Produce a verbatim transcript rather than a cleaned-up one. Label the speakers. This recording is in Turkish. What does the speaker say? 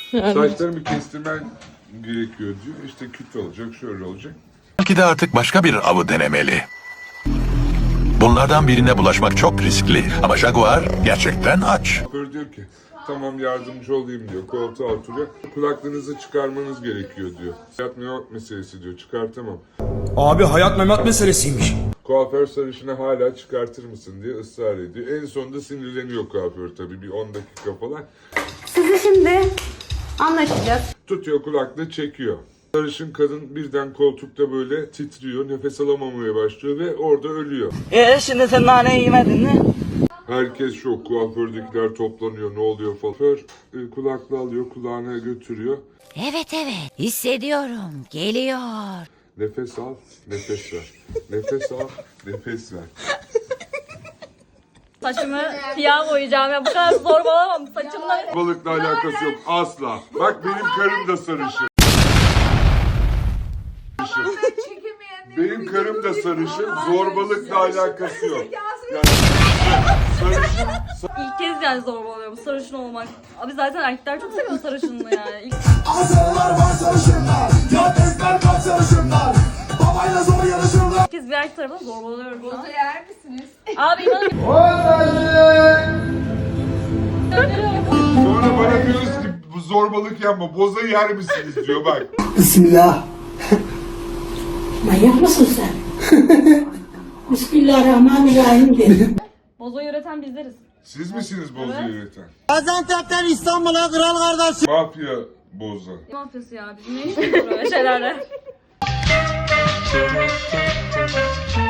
Speaker 1: Saçlarımı kestirmen gerekiyor diyor. İşte küt olacak, şöyle olacak.
Speaker 2: Belki de artık başka bir avı denemeli. Bunlardan birine bulaşmak çok riskli ama Jaguar gerçekten aç.
Speaker 1: Böyle diyor ki tamam yardımcı olayım diyor. Koltuğa oturuyor. Kulaklığınızı çıkarmanız gerekiyor diyor. Hayat memat meselesi diyor. Çıkartamam.
Speaker 3: Abi hayat memat meselesiymiş.
Speaker 1: Kuaför sarışını hala çıkartır mısın diye ısrar ediyor. En sonunda sinirleniyor kuaför tabii bir on dakika falan.
Speaker 4: Sizi şimdi anlaşacağız.
Speaker 1: Tutuyor kulaklığı çekiyor. Sarışın kadın birden koltukta böyle titriyor. Nefes alamamaya başlıyor ve orada ölüyor.
Speaker 5: Eee şimdi sen naneyi yemedin mi?
Speaker 1: Herkes şok. Kuafördekiler toplanıyor. Ne oluyor falan. Kuaför e, kulaklığı alıyor. Kulağına götürüyor.
Speaker 6: Evet evet hissediyorum geliyor.
Speaker 1: Nefes al. Nefes ver. Nefes al. Nefes ver.
Speaker 7: Saçımı siyah boyayacağım ya bu kadar zorbalamam saçımla.
Speaker 1: Balıkla alakası yok. Asla. Bak benim karım da sarışın. Benim karım da sarışın. Zorbalıkla alakası yok. Yani, sarışın.
Speaker 7: İlk kez yani zorbalıyorum sarışın olmak. Abi zaten erkekler çok seviyor sarışınlığı yani. İlk...
Speaker 8: Azralar var sarışınlar, yatırlar var sarışınlar, babayla zor yarışırlar.
Speaker 7: İlk kez bir erkek tarafından zorbalıyorum şu an.
Speaker 4: Boza yer misiniz?
Speaker 7: Abi inanın.
Speaker 1: Sonra bana diyoruz ki bu zorbalık yapma. Boza yer misiniz diyor bak.
Speaker 9: Bismillah. Manyak mısın sen? Bismillahirrahmanirrahim dedim.
Speaker 7: Bozoyu üreten bizleriz.
Speaker 1: Siz misiniz boza
Speaker 7: Evet.
Speaker 1: üreten?
Speaker 8: Gaziantep'ten İstanbul'a kral kardeş.
Speaker 1: Mafya boza.
Speaker 7: Mafyası ya bizim ne işimiz var öyle şeylerle.